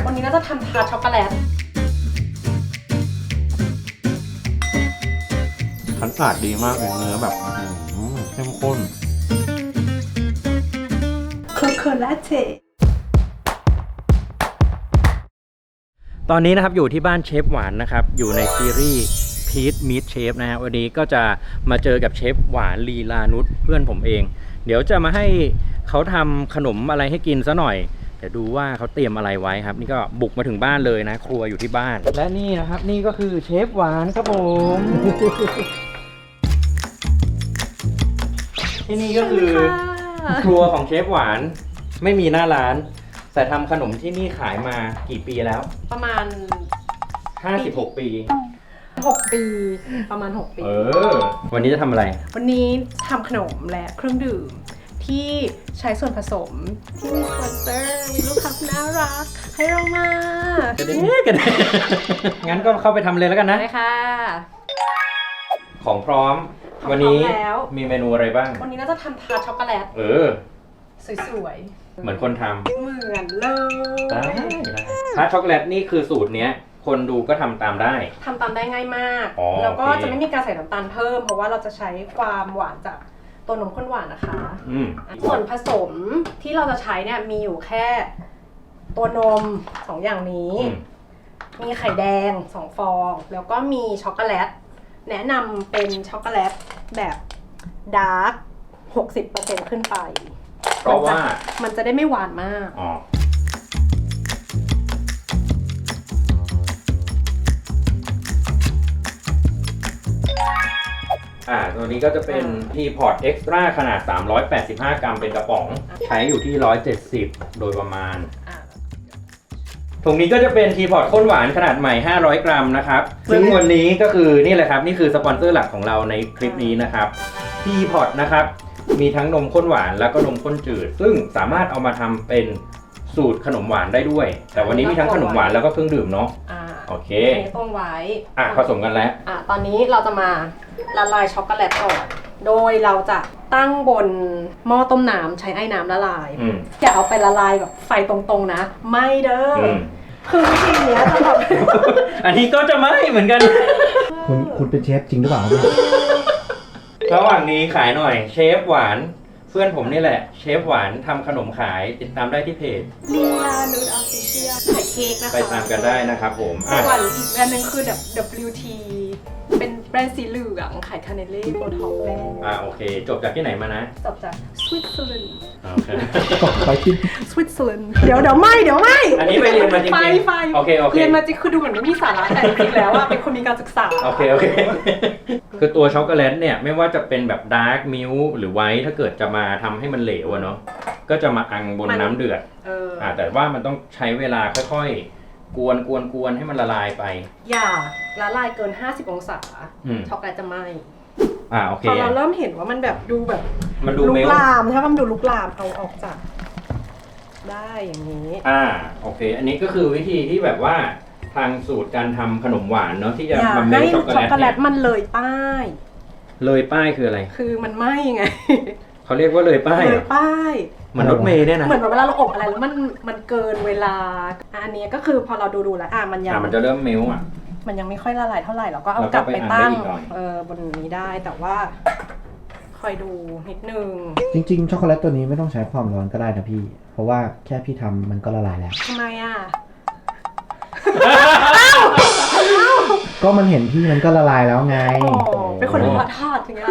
วันนี้น่าจะทำทาร์ตช็อกโกแลตคัสตาร์ดดีมากเลยเนื้อแบบเข้มข้นโคโคลาเต้ตอนนี้นะครับอยู่ที่บ้านเชฟหวานนะครับอยู่ในซีรีส์พีทมีทเชฟนะฮะวันนี้ก็จะมาเจอกับเชฟหวานลีลานุชเพื่อนผมเองเดี๋ยวจะมาให้เขาทำขนมอะไรให้กินซะหน่อยเดี๋ยวดูว่าเขาเตรียมอะไรไว้ครับนี่ก็บุกมาถึงบ้านเลยนะครัวอยู่ที่บ้านและนี่นะครับนี่ก็คือเชฟหวานครับผมที่นี่ก็คือครัวของเชฟหวานไม่มีหน้าร้านแต่ทำขนมที่นี่ขายมากี่ปีแล้วประมาณ 56 ปี 6 ปีประมาณ6 ปีวันนี้จะทำอะไรวันนี้ทำขนมและเครื่องดื่มที่ใช้ส่วนผสมที่มีสปอนเซอร์มีลูกค้าน่ารักให้เรามากระเด้งั้นก็เข้าไปทำเลยแล้วกันนะได้ค่ะของพร้อมวันนี้มีเมนูอะไรบ้างวันนี้เราจะทำทาร์ตช็อกโกแลตสวยเหมือนคนทำเหมือนเลยได้ทาร์ตช็อกโกแลตนี่คือสูตรเนี้ยคนดูก็ทำตามได้ง่ายมากแล้วก็จะไม่มีการใส่น้ำตาลเพิ่มเพราะว่าเราจะใช้ความหวานจากตัวนมข้นหวานนะคะส่วนผสมที่เราจะใช้เนี่ยมีอยู่แค่ตัวนม2 อย่างนี้มีไข่แดง2 ฟองแล้วก็มีช็อกโกแลตแนะนำเป็นช็อกโกแลตแบบดาร์ก 60% ขึ้นไปเพราะว่ามันจะได้ไม่หวานมากตัวนี้ก็จะเป็นทีพอร์ตเอ็กซ์ตร้าขนาด385 กรัมเป็นกระป๋องใช้อยู่ที่170โดยประมาณถุงนี้ก็จะเป็นทีพอร์ตข้นหวานขนาดใหม่500 กรัมนะครับซึ่งวันนี้ก็คือนี่แหละครับนี่คือสปอนเซอร์หลักของเราในคลิปนี้นะครับทีพอร์ตนะครับมีทั้งนมข้นหวานแล้วก็นมข้นจืดซึ่งสามารถเอามาทำเป็นสูตรขนมหวานได้ด้วยแต่วันนี้มีทั้งขนมหวานแล้วก็เครื่องดื่มเนาะโอเคต้มไว้ผสมกันแล้วตอนนี้เราจะมาละลายช็อกโกแลตก่อนโดยเราจะตั้งบนหม้อต้มน้ำใช้ไอ้น้ำละลายอย่าเอาไปละลายแบบไฟตรงๆนะไม่เด้อคือวิธีนี้จะแบบอันนี้ก็จะไม่เหมือนกันคุณเป็นเชฟจริงหรือเปล่าระหว่างนี้ขายหน่อยเชฟหวานเพื่อนผมนี่แหละเชฟหวานทำขนมขายติดตามได้ที่เพจลีลานูดออฟฟิเชียลขายเค้กนะคะไปตามกันได้นะครับผมส่วนอีกแบรนด์นึงคือ WT เป็นแบรนด์สีเหลืองขายคาเนเล่โบท็อกแบรนด์โอเคจบจากที่ไหนมานะจบจากสวิตเซอร์แลนด์โอเคไปที่สวิตเซอร์แลนด์เดี๋ยวไม่อันนี้ไปเรียนมาจริงๆโอเคเรียนมาจริงคือดูเหมือนไม่มีสาระแต่จริงๆแล้วเป็นคนมีการศึกษาโอเคคือตัวช็อกโกแลตเนี่ยไม่ว่าจะเป็นแบบดาร์กมิลค์หรือไวท์ถ้าเกิดจะมาทำให้มันเหลวเนาะก็จะมาอังบนน้ำเดือดแต่ว่ามันต้องใช้เวลาค่อยๆกวนให้มันละลายไปอย่าละลายเกิน50 องศาช็อกโกแลตจะไหม้โอเคพอเราเริ่มเห็นว่ามันแบบดูแบบมันดูลุกลามถ้ามันดูลุกลามเอาออกจากได้อย่างนี้โอเคอันนี้ก็คือวิธีที่แบบว่าทางสูตรการทำขนมหวานเนาะที่จะมาเมลช็อกโกแลตมันเลยป้ายคืออะไรคือมันไหม้ไงเขาเรียกว่าเลยป้ายเหมือนรถเมล์เนี่ยนะเหมือนเวลาเราอบอะไรแล้วมันเกินเวลาอันนี้ก็คือพอเราดูแล้วมันจะเริ่มเมลมันยังไม่ค่อยละลายเท่าไหร่เราก็เอากลับไปตั้งบนนี้ได้แต่ว่าคอยดูนิดนึงจริงๆช็อกโกแลตตัวนี้ไม่ต้องใช้ความร้อนก็ได้นะพี่เพราะว่าแค่พี่ทำมันก็ละลายแล้วทำไมก็มันเห็นพี่มันก็ละลายแล้วไงเป็นคนรู้ทอดอย่างเงี้ย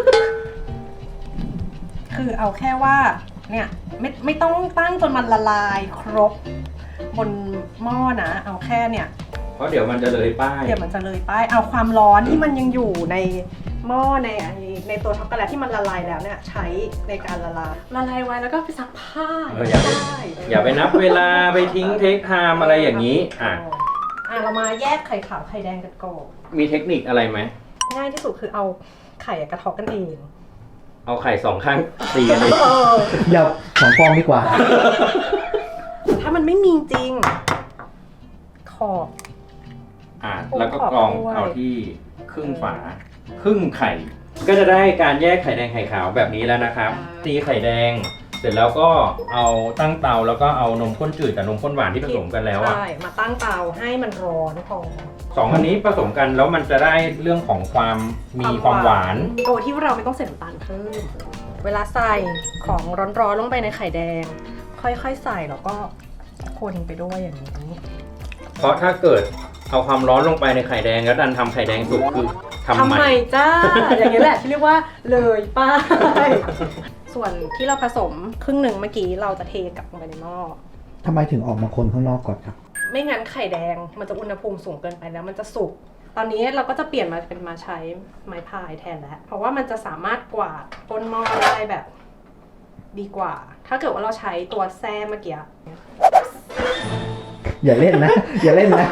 คือเอาแค่ว่าเนี่ยไม่ต้องตั้งจนมันละลายครบบนหม้อนะเอาแค่เนี่ยเพราะเดี๋ยวมันจะเลยป้ายเอาความร้อนที่มันยังอยู่ในหม้อในตัวช็อกโกแลตที่มันละลายแล้วเนี่ยใช้ในการละลายไว้แล้วก็ไปซักผ้าอย่าไปนับเวลาไปทิ้งเทคไทม์อะไรอย่างนี้เรามาแยกไข่ขาวไข่แดงกันก่อนมีเทคนิคอะไรไหมง่ายที่สุดคือเอาไข่กระเทาะกันเองเอาไข่2 ข้างตีกันเลยอย่า2 ฟองดีกว่าถ้ามันไม่มีจริงขอบแล้วก็กรองเอาที่ครึ่งฝาครึ่งไข่ก็จะได้การแยกไข่แดงไข่ขาวแบบนี้แล้วนะครับตีไข่แดงเสร็จแล้วก็เอาตั้งเตาแล้วก็เอานมข้นจืดกับนมข้นหวานที่ผสมกันแล้วอะใช่มาตั้งเตาให้มันร้อนพอสองอันนี้ผสมกันแล้วมันจะได้เรื่องของความมีความหวานโดยที่เราไม่ต้องใส่น้ำตาลเพิ่มเวลาใส่ของร้อนๆลงไปในไข่แดง ค่อยๆใส่แล้วก็คนไปด้วยอย่างนี้เพราะถ้าเกิดเอาความร้อนลงไปในไข่แดงแล้วดันทำไข่แดงสุกคือทำใหม่จ้า อย่างนี้แหละที่เรียกว่าเลยป้าย ส่วนที่เราผสมครึ่งหนึ่งเมื่อกี้เราจะเทกลับลงไปในหม้อทำไมถึงออกมาคนข้างนอกก่อนครับไม่งั้นไข่แดงมันจะอุณหภูมิสูงเกินไปแล้วมันจะสุก ตอนนี้เราก็จะเปลี่ยนมาเป็นมาใช้ไม้พายแทนแล้ว เพราะว่ามันจะสามารถกวาดก้นหม้อได้แบบดีกว่า ถ้าเกิดว่าเราใช้ตัวแส้เมื่อกี้อย่าเล่นนะ อย่าเล่นนะ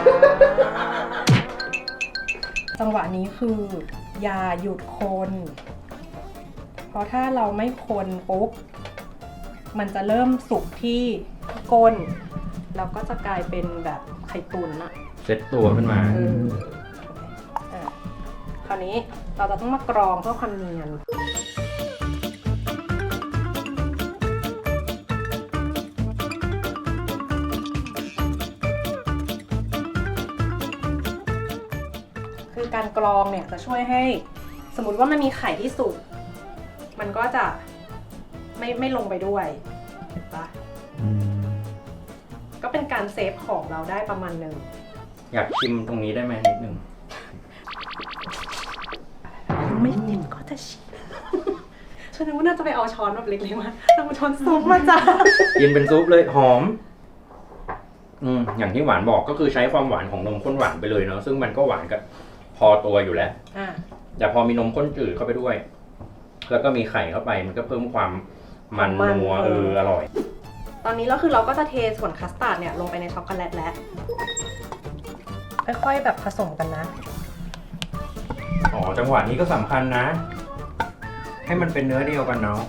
จังหวะนี้คืออย่าหยุดคน เพราะถ้าเราไม่คนปุ๊บมันจะเริ่มสุกที่ก้นแล้วก็จะกลายเป็นแบบไข่ตุ๋นอะเซตตัวขึ้นมาคราวนี้เราจะต้องมากรองเพื่อความเนียนคือการกรองเนี่ยจะช่วยให้สมมติว่ามันมีไข่ที่สุกมันก็จะไม่ลงไปด้วยเห็นปะก็เป็นการเซฟของเราได้ประมาณหนึ่งอยากชิมตรงนี้ได้ไหมนิดนึงไม่เห็นก็จะชิม ฉันว่าน่าจะไปเอาช้อนแบบเล็กๆมาเอาช้อนซุปมาจ้ากินเป็นซุปเลยหอม อย่างที่หวานบอกก็คือใช้ความหวานของนมข้นหวานไปเลยเนาะซึ่งมันก็หวานกับพอตัวอยู่แล้วแต่พอมีนมข้นจืดเข้าไปด้วย แล้วก็มีไข่เข้าไปมันก็เพิ่มความมันนัวอร่อยตอนนี้เราก็จะเทส่วนคัสตาร์ดเนี่ยลงไปในช็อกโกแลตแล้วค่อยๆแบบผสมกันนะอ๋อจังหวะนี้ก็สำคัญนะ ให้มันเป็นเนื้อเดียวกันเนาะ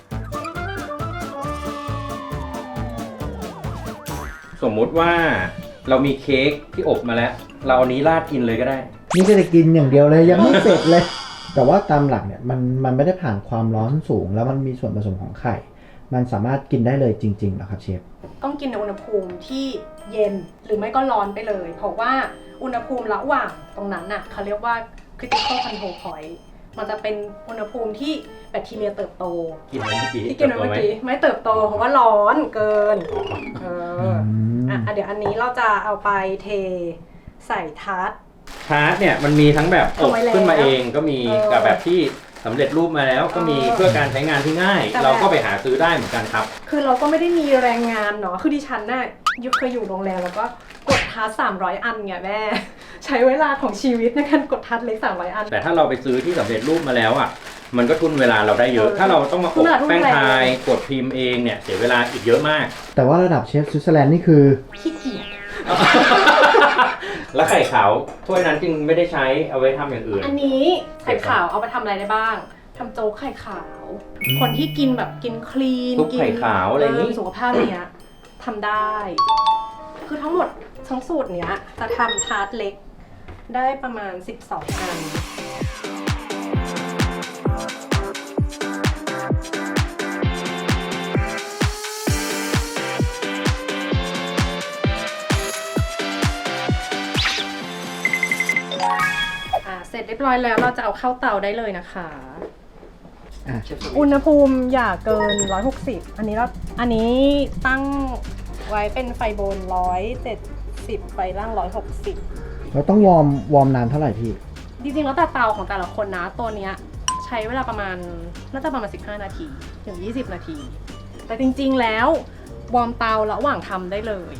สมมุติว่าเรามีเค้กที่อบมาแล้ว เราเอานี้ราดกินเลยก็ได้นี่ก็จะกินอย่างเดียวเลยยังไม่เสร็จเลย แต่ว่าตามหลักเนี่ยมันไม่ได้ผ่านความร้อนสูงแล้วมันมีส่วนผสมของไข่ มันสามารถกินได้เลยจริงๆเหรอครับเชฟต้องกินในอุณหภูมิที่เย็นหรือไม่ก็ร้อนไปเลย เพราะว่าอุณหภูมิระหว่างตรงนั้นน่ะเขาเรียกว่า critical control point มันจะเป็นอุณหภูมิที่แบคทีเรียเติบโตกินเมื่อกี้ที่กินเมื่อกี้ไม่เติบโตเพราะว่าร้อนเกินเดี๋ยวอันนี้เราจะเอาไปเทใส่ทาร์ตเนี่ยมันมีทั้งแบบอบขึ้นมาเองก็มีกับแบบที่สำเร็จรูปมาแล้วก็มีเพื่อการใช้งานที่ง่าย เราก็ไปหาซื้อได้เหมือนกันครับคือเราก็ไม่ได้มีแรงงานเนาะคือดิฉันน่ะเคยอยู่โรงแรมแล้วก็กดทาร์ต300 อันไงแม่ ใช้เวลาของชีวิตในการกดทาร์ตเล็ก300 อันแต่ถ้าเราไปซื้อที่สำเร็จรูปมาแล้วอ่ะมันก็ทุนเวลาเราได้เยอะ ถ้าเราต้องมาอบแป้งพายกดพิมพ์เองเนี่ยเสียเวลาอีกเยอะมากแต่ว่าระดับเชฟสวิตเซอร์แลนด์นี่คือขี้เกียจแล้วไข่ขาวถ้วยนั้นจึงไม่ได้ใช้เอาไว้ทำอย่างอื่นอันนี้ไข่ขาวเอาไปทำอะไรได้บ้างทำโจ๊กไข่ขาว คนที่กินแบบกินคลีนซุปไข่ขาวอะไรอย่างนี้สุขภาพเนี้ยทำได้ คือทั้งหมดทั้งสูตรเนี้ยจะทำทาร์ตเล็กได้ประมาณ12 อันเสร็จเรียบร้อยแล้วเราจะเอาเข้าเตาได้เลยนะคะอุณหภูมิอย่าเกิน160อันนี้ตั้งไว้เป็นไฟบน170ไฟล่าง160 เราต้องวอร์มนานเท่าไหร่พี่จริงๆแล้วแต่เตาของแต่ละคนนะตัวเนี้ยใช้เวลาประมาณน่าจะประมาณ15 นาทีถึง20 นาที แต่จริงๆแล้ววอร์มเตาระหว่างทำได้เลย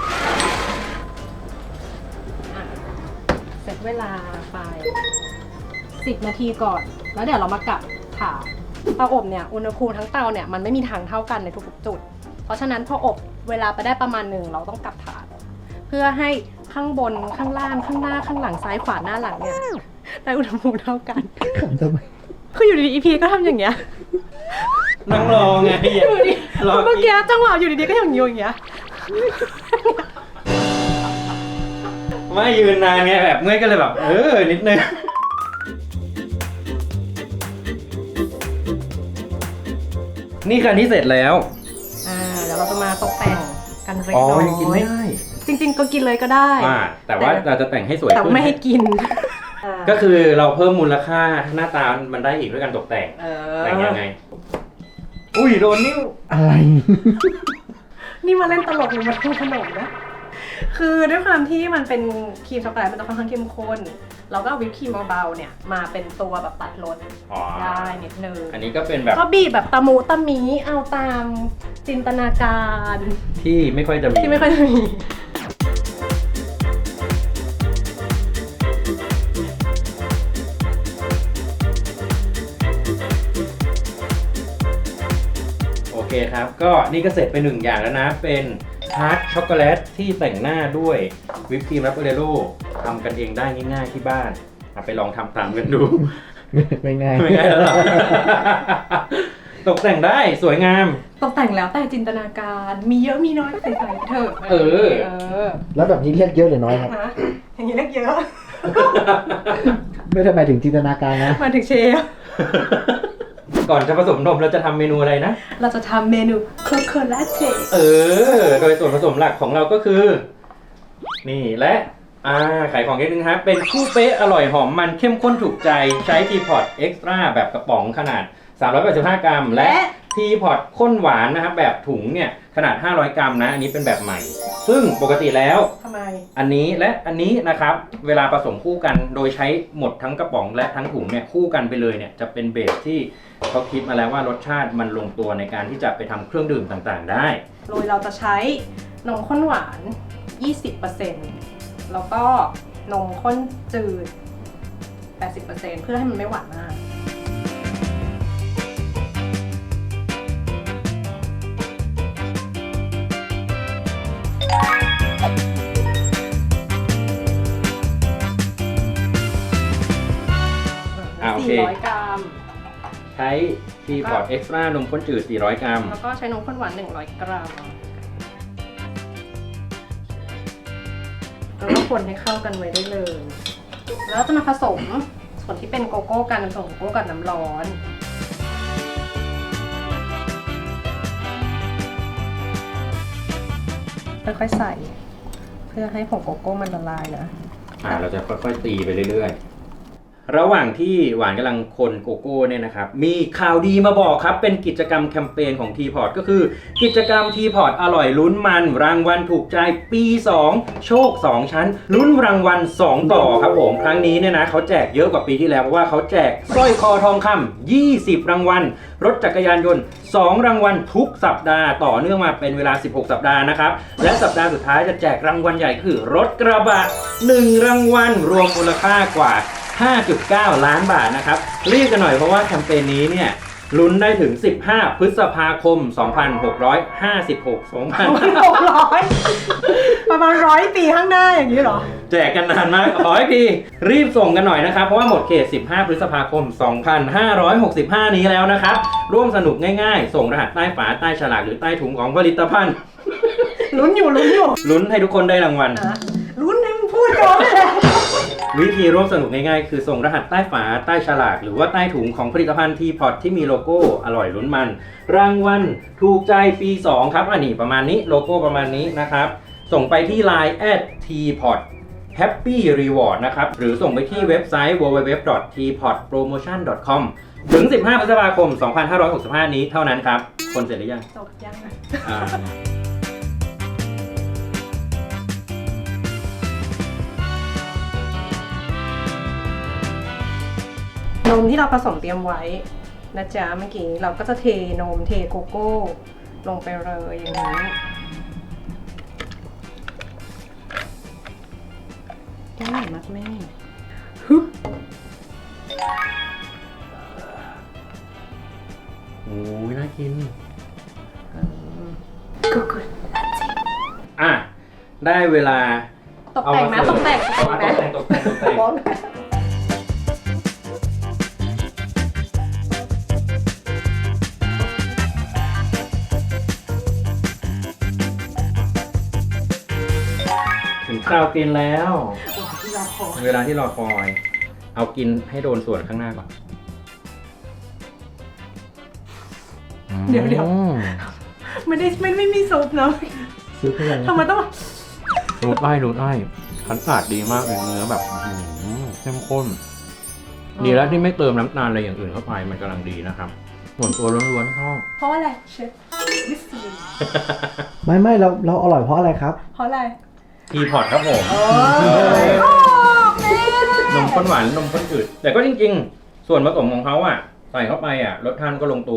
เสร็จเวลาไป10 นาทีก่อนแล้วเดี๋ยวเรามากลับถาดเตาอบเนี่ยอุณหภูมิทั้งเตาเนี่ยมันไม่มีทางเท่ากันในทุกๆจุดเพราะฉะนั้นพออบเวลาไปได้ประมาณหนึ่งเราต้องกลับถาดเพื่อให้ข้างบนข้างล่างข้างหน้าข้างหลังซ้ายขวาหน้าหลังเนี่ยได้อุณหภูมิเท่ากันทำไมคืออยู่ดีๆ EP ก็ทำอย่างเงี้ยนั่งรอไงอยู่ดีเมื่อกี้จังหวะอยู่ดีๆก็อย่างเงี้ยไม่ยืนนานไงแบบเมื่อยก็เลยแบบนิดนึงนี่คืออันที่เสร็จแล้วเราจะมาตกแต่งกันเล็กอ๋อน้อยยังกินไม่ได้จริงๆก็กินเลยก็ได้แต่ว่าเราจะแต่งให้สวยแต่ขึ้นไม่ให้กินก็คือเราเพิ่มมูลค่าหน้าตามันได้อีกด้วยการตกแต่ง แต่งยังไง อุ้ยโดนนิ้วอะไรนี่มาเล่นตลกหรือมาทำขนมนะ คือด้วยความที่มันเป็นครีมช็อกโกแลตมันจะค่อนข้างเข้มข้น เราก็เอาวิปครีมเบาๆเนี่ยมาเป็นตัวแบบตัดรสอ๋อได้นิดนึงอันนี้ก็เป็นแบบก็บีบแบบตะมูตะมีเอาตามจินตนาการที่ไม่ค่อยจะมีที่ไม่ค่อยจะมีโอเคครับ ก็นี่ก็เสร็จไปหนึ่งอย่างแล้วนะ เป็นทาร์ตช็อกโกแลตที่แต่งหน้าด้วยวิปครีมแรปเปอร์เรโร่ทำกันเองได้ง่ายๆที่บ้านไปลองทำตามกันดูไม่ง่ายไม่ง่ายแล้วหรอ ตกแต่งได้สวยงามตกแต่งแล้วแต่จินตนาการมีเยอะมีน้อยใส่ไปเถอะเออแล้วแบบนี้เรียกเยอะหรือน้อยครับฮะอย่างนี้เล็กเยอะไม่ได้หมายถึงจินตนาการนะมาถึงเชฟก่อนจะผสมนมเราจะทำเมนูอะไรนะเราจะทำเมนูโคโคลาเต้โดยส่วนผสมหลักของเราก็คือ นี่และขายของนิดนึงครับ เป็นคู่เป๊ะอร่อยหอมมันเข้มข้นถูกใจใช้ทีพอตเอ็กซ์ตร้าแบบกระป๋องขนาด 385 กรัม และทีพอตข้นหวานนะครับแบบถุงเนี่ยขนาด 500 กรัมนะ อันนี้เป็นแบบใหม่ ซึ่งปกติแล้วทำไมอันนี้และอันนี้นะครับเวลาผสมคู่กันโดยใช้หมดทั้งกระป๋องและทั้งถุงเนี่ยคู่กันไปเลยเนี่ยจะเป็นเบสที่เขาคิดมาแล้วว่ารสชาติมันลงตัวในการที่จะไปทำเครื่องดื่มต่างๆได้โดยเราจะใช้นมข้นหวาน 20% แล้วก็นมข้นจืด 80% เพื่อให้มันไม่หวานมากโอเค 400 กรัมใช้ทีพอตเอ็กซ์ตร้านมข้นจืด 400 กรัมแล้วก็ใช้นมข้นหวาน 100 กรัม แล้วก็คนให้เข้ากันไว้ได้เลย แล้วจะมาผสมส่วนที่เป็นโกโก้กันผสมโกโก้กับน้ำร้อน ค่อยๆใส่ เพื่อให้ผงโกโก้มันละลายนะเราจะค่อยๆตีไปเรื่อยๆ ระหว่างที่หวานกำลังคนโกโก้เนี่ยนะครับมีข่าวดีมาบอกครับเป็นกิจกรรมแคมเปญของทีพอร์ตก็คือกิจกรรมทีพอร์ตอร่อยลุ้นมันรางวัลถูกใจปี 2 โชค 2 ชั้นลุ้นรางวัล2ต่อครับผมครั้งนี้เนี่ยนะเขาแจกเยอะกว่าปีที่แล้วเพราะว่าเขาแจกสร้อยคอทองคำ20 รางวัลรถจักรยานยนต์2 รางวัลทุกสัปดาห์ต่อเนื่องมาเป็นเวลา16 สัปดาห์นะครับและสัปดาห์สุดท้ายจะแจกรางวัลใหญ่คือรถกระบะ1 รางวัลรวมมูลค่ากว่า5.9 ล้านบาทนะครับรีบกันหน่อยเพราะว่าแคมเปญนี้เนี่ยลุ้นได้ถึง15 พฤษภาคม 2656 600 ประมาณ100 ปีข้างหน้าอย่างนี้เหรอแจกกันนานมากขอให้ดีรีบส่งกันหน่อยนะครับเพราะว่าหมดเขต15 พฤษภาคม 2565 นี้แล้วนะครับร่วมสนุกง่ายๆส่งรหัสใต้ฝาใต้ฉลากหรือใต้ถุงของผลิตภัณฑ์ลุ้นอยู่ลุ้นให้ทุกคนได้รางวัลลุ้นให้มึงพูดก่อนเลยวิธีร่วมสนุกง่ายๆคือส่งรหัสใต้ฝาใต้ฉลากหรือว่าใต้ถุงของผลิตภัณฑ์ทีพอตที่มีโลโก้อร่อยลุ้นมันรางวัลถูกใจปี 2 ครับอันนี้ประมาณนี้โลโก้ประมาณนี้นะครับส่งไปที่ Line @tpot Happy Reward นะครับหรือส่งไปที่เว็บไซต์ www.tpotpromotion.com ถึง 15 พฤษภาคม 2565 นี้เท่านั้นครับคนเสร็จหรือยังจบยัง นมที่เราผสมเตรียมไว้นะจ๊ะเมื่อกี้เราก็จะเทนมเทโกโก้ลงไปเลยอย่างนี้ได้มากแม่ฮึบโอ้ยน่ากินก็คือได้เวลาตกแต่งไหมตกแต่งไหมตกแต่ง ถึงคราวกินแล้ว เวลาที่รอคอย เอากินให้โดนส่วนข้างหน้าก่อนไม่มีซุปเนาะซื้อเพื่อนทำไมต้องรูดไอ้คันสาดดีมากเลยเนื้อแบบเข้มข้น ดีแล้วที่ไม่เติมน้ำตาลอะไรอย่างอื่นเข้าไปมันกำลังดีนะครับส่วนตัวล้วนๆชอบเพราะอะไรเชฟมิสลินไม่เราอร่อยเพราะอะไรครับเพราะอะไรทีพอร์ตครับผมโอ้ยนมข้นหวานนมข้นจืดแต่ก็จริงๆ ส่วนผสมของเขาอ่ะใส่เข้าไปอ่ะรสชาติก็ลงตัว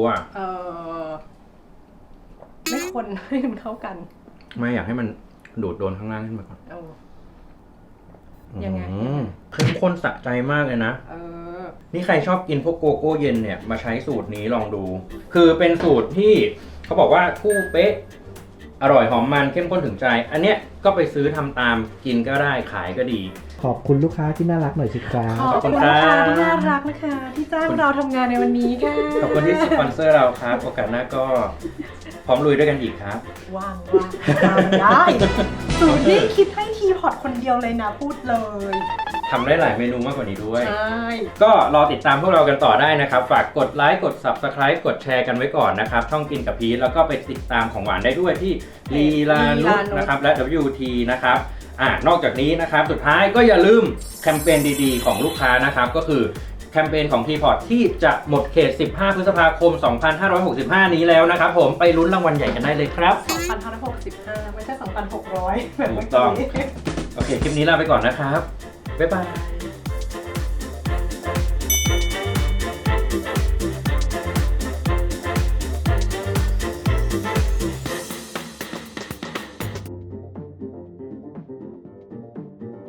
ไม่คนให้มันเข้ากันไม่อยากให้มันดูดโดนข้างล่างขึ้นมาก่อนเอายังไงเข้มข้นสะใจมากเลยนะเออนี่ใครชอบกินพวกโกโก้เย็นเนี่ยมาใช้สูตรนี้ลองดู คือเป็นสูตรที่เขาบอกว่าคู่เป๊ะ อร่อยหอมมันเข้มข้นถึงใจ อันเนี้ยก็ไปซื้อทำตามกินก็ได้ขายก็ดีขอบคุณลูกค้าที่น่ารักหน่อยสิครับขอบคุณลูกค้าที่น่ารักนะคะ ที่จ้างเราทำงานในวันนี้ค่ะขอบคุณที่สปอนเซอร์เราครับ โอกาสหน้าก็พร้อมลุยด้วยกันอีกครับว่างได้สูตรนี้คิดให้ทีพอร์ตคนเดียวเลยนะพูดเลยทำได้หลายเมนูมากกว่านี้ด้วยใช่ก็รอติดตามพวกเรากันต่อได้นะครับ ฝากกดไลค์กด Subscribe กดแชร์กันไว้ก่อนนะครับ ช่องกินกับพีทแล้วก็ไปติดตามของหวานได้ด้วยที่ลีลานุชนะครับและ WT นะครับนอกจากนี้นะครับสุดท้ายก็อย่าลืมแคมเปญดีๆของลูกค้านะครับก็คือแคมเปญของ Teapot ที่จะหมดเขต 15 พฤษภาคม 2565 นี้แล้วนะครับผมไปลุ้นรางวัลใหญ่กันได้เลยครับ 2,565 ไม่ใช่ 2,600 แบบเมื่อถูกต้องกี้โอเค คลิปนี้ลาไปก่อนนะครับ บ๊ายบาย